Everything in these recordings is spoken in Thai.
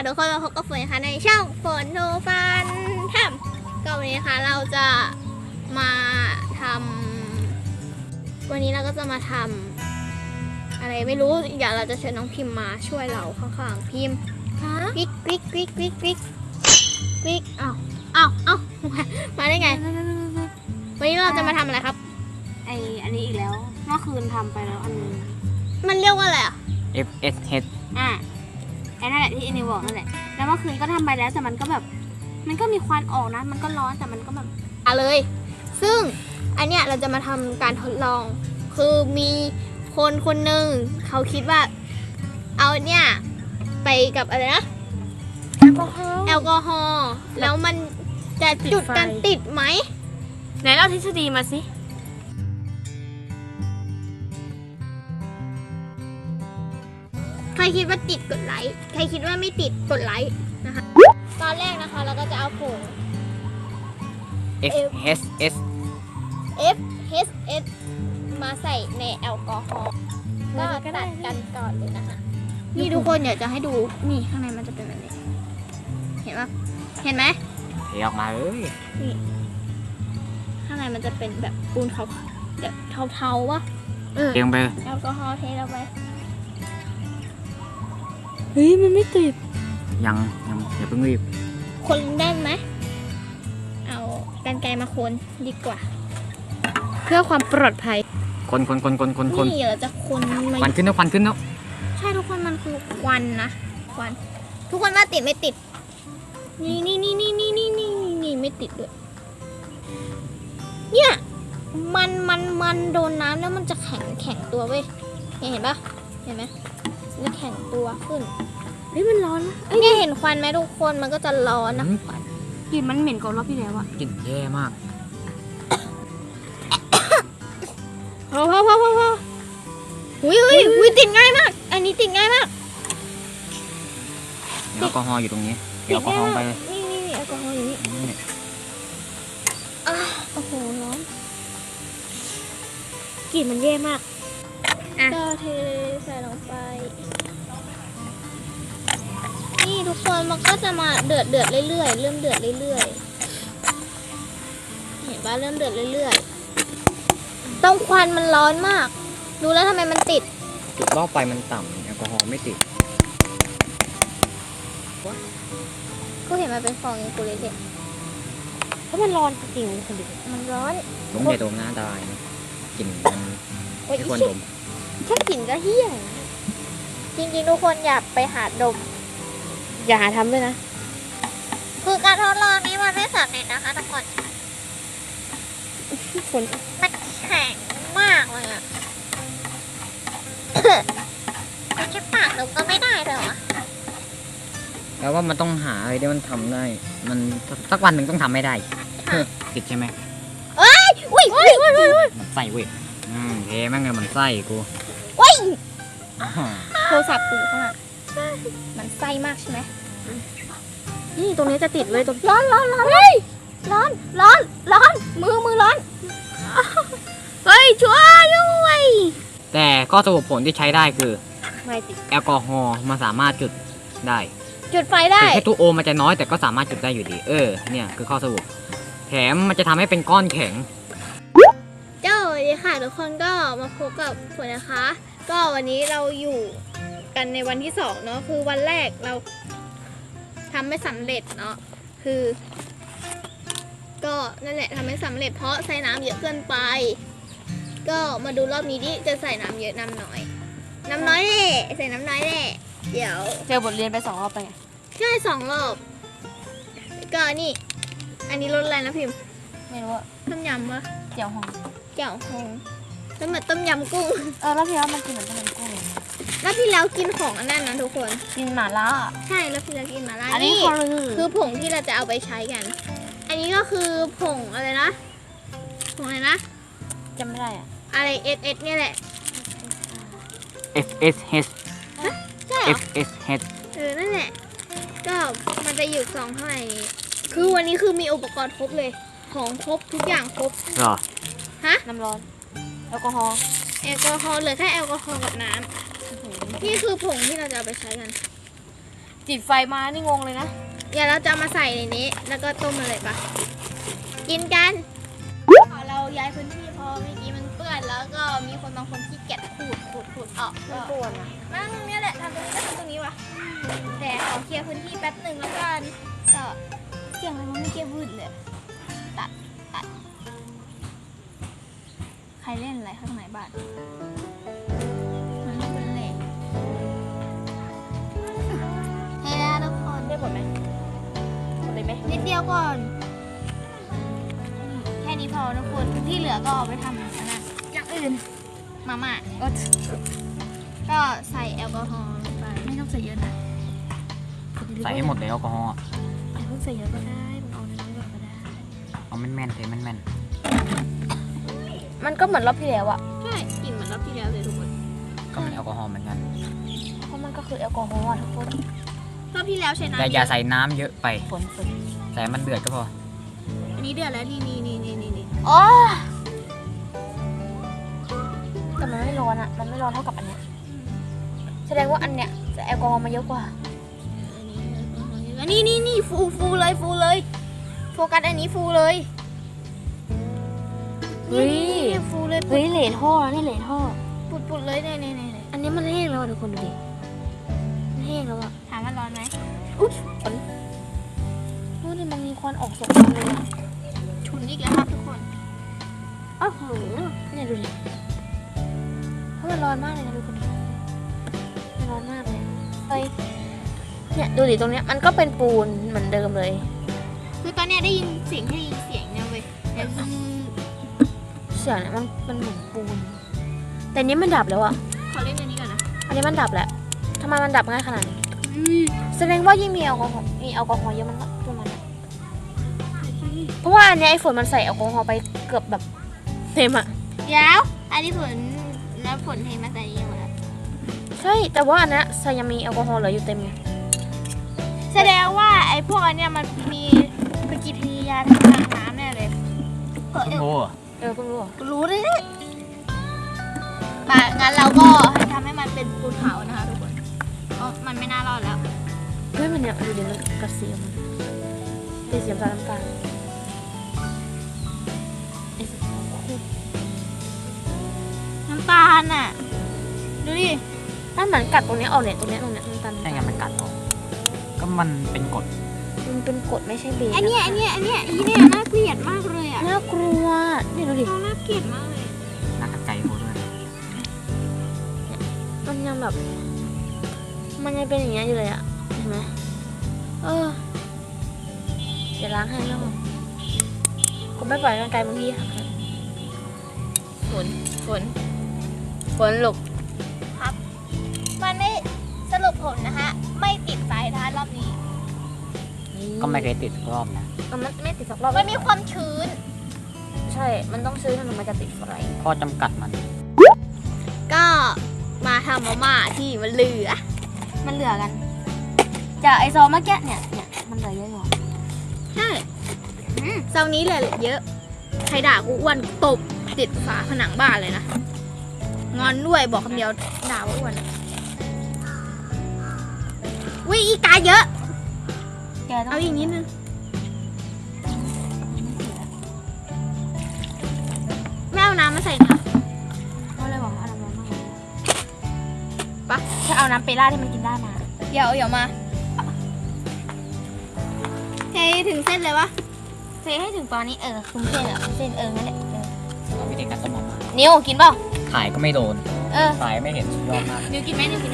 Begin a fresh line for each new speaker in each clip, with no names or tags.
ทุกคนมาพบกับฝนนะคะในช่องฝนโนฟันทำก็วันนี้นะคะเราจะมาทำวันนี้เราก็จะมาทำอะไรไม่รู้เดี๋ยวเราจะเชิญน้องพิมพ์มาช่วยเราข้างๆพิมพ์กริ๊กกริ๊กกริ๊กกริ๊กกริ๊กกริ๊กอ้าวมาได้ไงวันนี้เราจะมาทำอะไรครับ
อันนี้อีกแล้วเมื่อคืนทำไปแล้วอันนึง
มันเรียกว่าอะไรอ่ะ
FSH ไอ้นั่นแหละที่อินิวบอกนั่นแหละแล้วเมื่อคืนก็ทำไปแล้วแต่มันก็แบบมันก็มีควันออกนะมันก็ร้อนแต่มันก็แบบ
เลยซึ่งอันเนี้ยเราจะมาทำการทดลองคือมีคนหนึ่งเขาคิดว่าเอาเนี่ยไปกับอะไรนะแอลกอฮอล์แล้วมันจะจุดกันติดไหม
ไหนเล่าทฤษฎีมาสิ
ใครคิดว่าติดกดไลค์ใครคิดว่าไม่ติดกดไลค์นะคะตอนแรกนะคะเราก็จะเอาผง
FSH
มาใส่ในแอลกอฮอล์ก็ตัดกันก่อนเลยนะคะนี่ทุกคนอยากจะให้ดูนี่ข้างในมันจะเป็นแบบนี้เห็นปะเห็นไหม
เทออกมาเลย
นี่ข้างในมันจะเป็นแบบปูนแบบเทาๆวะ
เทลงไป
แอลกอฮอล์เทลงไป
เฮ้ยมันไม่ติดยังอย่าเพิ่งรีบ
คนได้ไหมเอากรรไกรมาคนดีกว่าเพื่อความปลอดภัย
คน
นี่เราจะคน
ควันขึ้นแล้ว
ใช่ทุกคนมันคือควันนะควันทุกคนว่าติดไม่ติดนี่ไม่ติดด้วยเนี่ยมันโดนน้ำแล้วมันจะแข็งตัวเว้ยเห็นปะเห็นไหมมันแข็งตัวขึ้น
เฮ้ยมันร้อนนะ
เนี่ยเห็นควันไหมทุกคนมันก็จะร้อนนะควัน
กลิ่นมันเหม็นกว่ารอบที่แล้วอะกลิ่นแย่มาก
พออุ้ยติดง่ายมากอันนี้ติดง่ายมาก
แอลกอฮอล์อยู่ตรงนี้แอลกอฮอล์ไป
นี่แอลกอฮอล์อยู่นี่โอ้โหร้อนกลิ่นมันแย่มากก็เทใส่ลงไปนี่ทุกคนมันก็จะมาเดือดเรื่อยๆเริ่มเดือดเรื่อยๆเห็นป่ะเริ่มเดือดเรื่อยๆต้องควันมันร้อนมากดูแล้วทำไมมันติด
จุดรอบไฟมันต่ำแอลกอฮอล์ไม่ติด
ก็เห็นมันเป็นฟองอย่างกูเลยเด็ก
เพราะมันร้อนจริงๆคนดิ
มันร้อน
ผมอย่าดมนะตายนะกลิ่นมันไม่ควรดม
แค่กลิ่นก็เหี้ยจริงๆทุกคนอย่าไปหาดม
อย่าหาทำด้วยนะ
คือการทดลองนี้มันไม่สำเร็จนะคะทุกคนมันแข็งมากเลยอะมันจะปากดมก็ไม่ได้เลยเหรอ
แล้วว่ามันต้องหาอะไรที่มันทำได้มันสักวันหนึ่งต้องทำไม่ได้ติดใช่ไหม
อุ้ย
ใส่เว้ยเทแม่งเลยมันไส้กู
โทรศัพท์กูข้างหลังมันไส้มากใช่ไหม
นี่ตรงนี้จะติดเลยตรง
ร้อนมือร้อนเฮ้ยช่วยด้วย
แต่ข้อสรุปผลที่ใช้ได้คือ
ไม่ติด
แอลกอฮอล์มันสามารถจุดได้
จุดไฟได้
แค่ตัวโอมันจะน้อยแต่ก็สามารถจุดได้อยู่ดีเนี่ยคือข้อสรุปแถมมันจะทำให้เป็นก้อนแข็ง
เจ้าดีค่ะทุกคนก็มาพบกับฝนนะคะก็วันนี้เราอยู่กันในวันที่2เนาะคือวันแรกเราทำไม่สำเร็จเนาะคือก็นั่นแหละทำไม่สำเร็จเพราะใส่น้ำเยอะเกินไปก็มาดูรอบนี้ดิจะใส่น้ำเยอะน้ำน้อยแหละใส่น้ำน้อยแหละเดี๋ยว
เจอบทเรียนไป2 รอบไปไง
ใช่2 รอบก็นี่อันนี้รสอะไรนะพิมพ์
ไม่รู้อะ
ต้มยำปะ
เจียวฮง
แล้วเหมือนต้มยำกุ้ง
รอบที่แล้วมันกินเหมือนต้มยำกุ้ง
รอบที่แล้วกินของอันนั้นนะทุกคน
กินหม่าล่า
ใช่รอบที่แล้วกินหม่าล่า
อันนี้
คือผงที่เราจะเอาไปใช้กันอันนี้ก็คือผงอะไรนะผงอะไรนะ
จำไม่ได้อะ
อะไรSSเนี่ยแหละ
FSH
ใช่
FSH
นั่นแหละก็มันจะอยู่ซองเท่าไหร่คือวันนี้คือมีอุปกรณ์ครบเลยของครบทุกอย่างครบ
หรอ
ฮะ
น้ำร้อนแอลกอฮอล์
เหลือแค่แอลกอฮอล์กับน้ำนี่คือผงที่เราจะเอาไปใช้กัน
จิดไฟมานี่งงเลยนะ
เดี๋ยวเราจะมาใส่ในนี้ แล้วก็ต้มมาเลยปะกินกันเราย้ายพื้นที่เพอเมื่อกี้มันเปื้อนแล้วก็มีคนบางคนที่เก็บขูดออกก็
ปวดอ่ะ
นั่งตรงนี้แหละทำตรงนี้ก็ทำตรงนี้วะแต่ขอเคลียร์พื้นที่แป๊บหนึ่งแล้วกันก็เสียงอะไรมันไม่เก็บวืดเลยตัดใครเล่นอะไรข้างในบ้านมันไม่เป็นเหล็กเฮ้ยนะทุกคน
ได้หมดไหมหมดเลยไหม
นิดเดียวก่อนแค่นี้พอทุกคนที่เหลือก็เอาไปทำอันนั้นอย่างอื่นมาม่าก็ใส่แอลกอฮอล์ลงไปไม่ต้องใส่เยอะนะ
ใส่ให้หมดเลยแอลกอฮอล์อะ
อย่าเพิ่งใส่เยอะก็ได้มันเอาน้อยๆก่อนก็ได้
เอาแม่นๆเทแม่น
มันก็เหมือนรอบที่แล้วอะ
ใช่กลิ่นเหมือนรอบที่แล้วเลยทุกคน
ๆก็มันแอลกอฮอล์เหมือนกัน
เพราะมันก็คือแอลกอฮอล์อะทุกคน
รอบที่แล้วใช้น้ำ
แต่อย่าใส่น้ำเยอะไป
ฝน
ใส่มันเดือดก็พอ
อันนี้เดือดแล้วนี่
อ๋อแต่มันไม่ร้อนอะมันไม่ร้อนเท่ากับอันเนี้ยแสดงว่าอันเนี้ยจะแอลกอฮอล์มาเยอะกว่า
อันนี้ฟูเลยโฟกัสอันนี้ฟูเลย
เฮ้ย
นี่ฟูเลย
เฮ้ยเหลนท่อแล้วนี่เหลนท่อ
ปุดเลยเนี่ย
อันนี้มันแห้งแล้วอะทุกคนดูดิ มันแห้งแล้วอะ
ถามว่าร้อนไหม
โอ้นี่มันมีควันออกสองอันเลยอะ
ฉุนอีกแล้วครับทุกคน
อ้าวโหเนี่ยดูดิเพราะมันร้อนมากเลยนะทุกคนมันร้อนมากเลยเฮ้ยเนี่ยดูดิตรงเนี้ยมันก็เป็นปูนเหมือนเดิมเลย
คือตอนเนี้ยได้ยินเสียงเนี่ยเว้ยเดี๋ยว
เสียงเนี่ยมันเหมือนปูน แต่นี้มันดับแล้วอะ
ขอเล่นอันนี้ก่อนนะ
อันนี้มันดับแล้วทำไมมันดับง่ายขนาดนี้ แสดงว่ายิ่งมีแอลกอฮอล์เยอะมันก็ตัวมันอะเพราะว่าอันเนี้ยไอ้ฝนมันใส่แอลกอฮอล์ไปเกือบแบบเต็มอะ
เดี๋ยวอันนี้ฝนเทมาใส่นี่หมดแล้ว
ใช่แต่ว่าอันเนี้ยใส่ยังมีแอลกอฮอล์เหลืออยู่เต็มไง
แสดงว่าไอ้พวกอันเนี้ยมันมีปฏิกิริยาทางน้ำแน่เลย
โอ้โห
เพิ่งรู้เหรอ
รู้เลยป่ะงั้นเราก็ทำให้มันเป็นปูนขาวนะคะทุกคนเพราะมันไม่น่ารอดแล้ว
เฮ้ยมันเนี่ยดูดิมันกัดสีออกมาเป็นสีน้ำตาลไอ้สีขาวคูด
น้ำตาลน่ะ ดูดิ
นั่นเหมือนกัดตรงเนี้ยออกเนี่ยตรงเนี้ยน้ำตาล
ใช่ไงมันกัดออก ก็มันเป็นกรด
มันเป็นกรดไม่ใช่เบส
อันเนี้ยน่าเกลียดมากเลยอ่ะ
น่ากลัวเนี่ยดูดิ
เราน่าเกลียดมากเลย
น่ากัดใจโหด้วย
มันยังแบบ มันยังเป็นอย่างเงี้ยอยู่เลยอะเห็นไหมเดี๋ยวล้างให้แล้วผมไม่ปล่อยร่างกายบางทีค่ะฝนหลบ
มันไม่สรุปผลนะคะ ไม่ติดสายทานรอบนี้
ก็ไม่เคยติดรอบนะ
มันไม่ติดสักรอบ
มันมีความชื้น
ใช่ มันต้องซื้อมันจะติดไฟ
ข้อจำกัดมัน
ก็มาทำมาม่าที่มันเหลือ
มันเหลือกันจากไอซองเมื่อกี้เนี่ยมันเหลือเยอะอยู่
ใช่เซานี้เลยเยอะ ใครด่ากูอ้วนตบติดฝาผนังบ้านเลยนะ งอนด้วยบอกคำเดียวด่าว่าอ้วนวิอีกาเยอะ
แกต้อง
เอาอีกนิดนึงไม่เอาน้ำมาใส่นะ
ก็เลยบอกว่าเอาน้ำร้อนมาก
ปะ
ถ้าเอาน้ำเปล่าที่มันกินได้มา
เดี๋ยวมาเทถึงเส้นเลยวะ
เทให้ถึงตอนนี้คุ้มเส้นเส้นงั้นแหละ
เอาวิธีการต้มมาม่า
นิวกินเปล่า
ถ่ายก็ไม่โดน
เ
ถ่ายไม่เห็นสุดยอดมาก
นิวกินไหม
เอาเข้าไป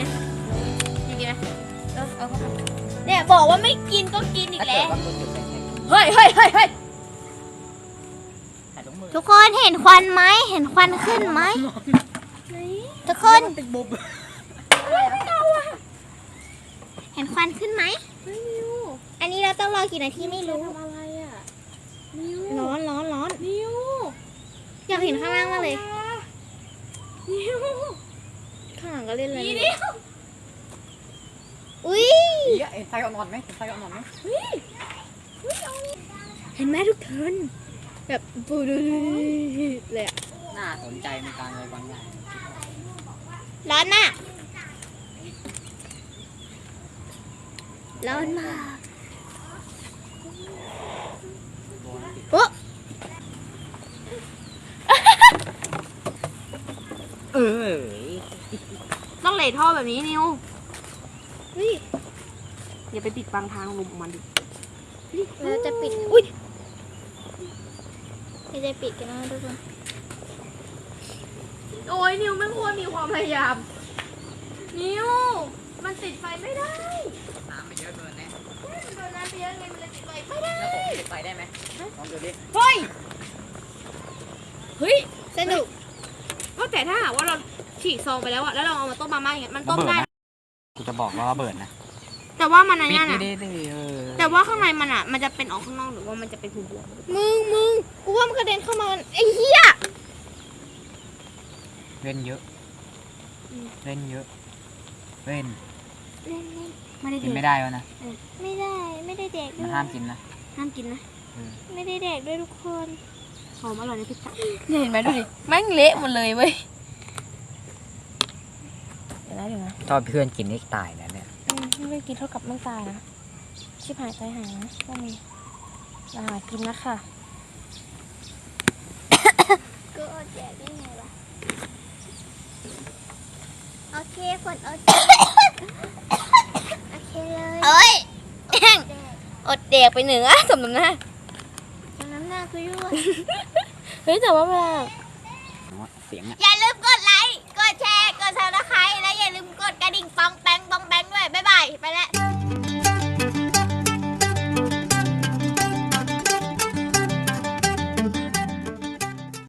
เนี่ยบอกว่าไม่กินก็กินอีก
ถ้า
แล้
เกิด
ว
ว่าคุณหยุดไปแค่
เฮ้ย
ถ่ายถุงมือ
ทุกคนเห็นควันไหมเห็นควันขึ้นไหมทุกคน
ติดบุบ
เห็นควันขึ้นไหมอันนี้เราต้องรอกี่นาทีไม่รู้
อะไรอ่ะ
ร้อน
นิว
อยากเห็นข้างล่างมากเลยข้างหลังก็เล่นอะไรอุ้ย
เห็นไฟอ่อนๆไหมเห็นไฟอ่อนๆไหม
เห็นไหมทุกคนแบบปูดูเลยอะ
น่าสนใจในการอะไรบางอย่าง
ร้อนน่ะร้อนมากโอ้
เออ
ต้องเลท่อแบบนี้นิว
เฮ้ย
อย่าไปปิดบังทางลมของมันดิ
เราจะปิด อุ้ยเราจะปิดกันนะทุกคน
โอ้ยนิวไม่ควรมีความพยายาม นิว มันติดไฟไม่ได้
น้ำไปเยอะเกินแน่
มันโดนน้ำไปเยอะไงมันเลยติดไฟไม่ได้
แล้วผมติดไฟได้ไหมลองดูดิ
เฮ้ย เฮ้ย
สนุก
ก็แต่ถ้าหากว่าเราฉีกซองไปแล้วอะแล้วเราเอามาต้มมาม่าอย่างเงี้ยมันต้มได้
กูจะบอกว่าระเบิดนะ
แต่ว่ามันอะไร
ปิด
เนี่ย
ดิ
นะ
ดิเออ
แต่ว่าข้างในมันอะมันจะเป็นออกข้างนอกหรือว่ามันจะเป็นบวม
มึง กูว่ามันกระเด็นเข้ามา ไอ้เหี้ย
เล่นเยอะ เล่นเยอะ เล่น
เล่น
ๆไม่ได้
กิน
เด็
ไม่
ก
ได้วะนะ
ๆไม่ได้ ไม่ได้แดกด้
มั
วน ย
ห้ามกินนะ
ห้ามกินนะ
เออ
ไม่ได้แดกด้วยทุกคน
หอมอร่อยในพิซซ่าเนี่ยเห็นไหมดูดิแม่งเละหมดเลยเว้ยเดี๋ยวนะ
ชอบเพื่อนกินนี่ตายนะเนี่ย
ไม่กินเท่ากับไม่ตายนะชิบหายใจหายนะก็มีหากินนะค่ะ
ก็อดแดกได้ไงล่ะ โอเคคนโอเค โอเคเลย
เอ้ย
แดก
อดแดกไปเหนือสมน้ำหน้า
จนน้ำหน้าคือด้วย
เฮ้ยแต่ว่าเวลา
เสียงอ่ะ
อย่าลืมกดไลค์ กดแชร์ กดซับสไครต์และอย่าลืมกดกระดิ่งปองแปงด้วย บ๊ายบาย ไปแล้ว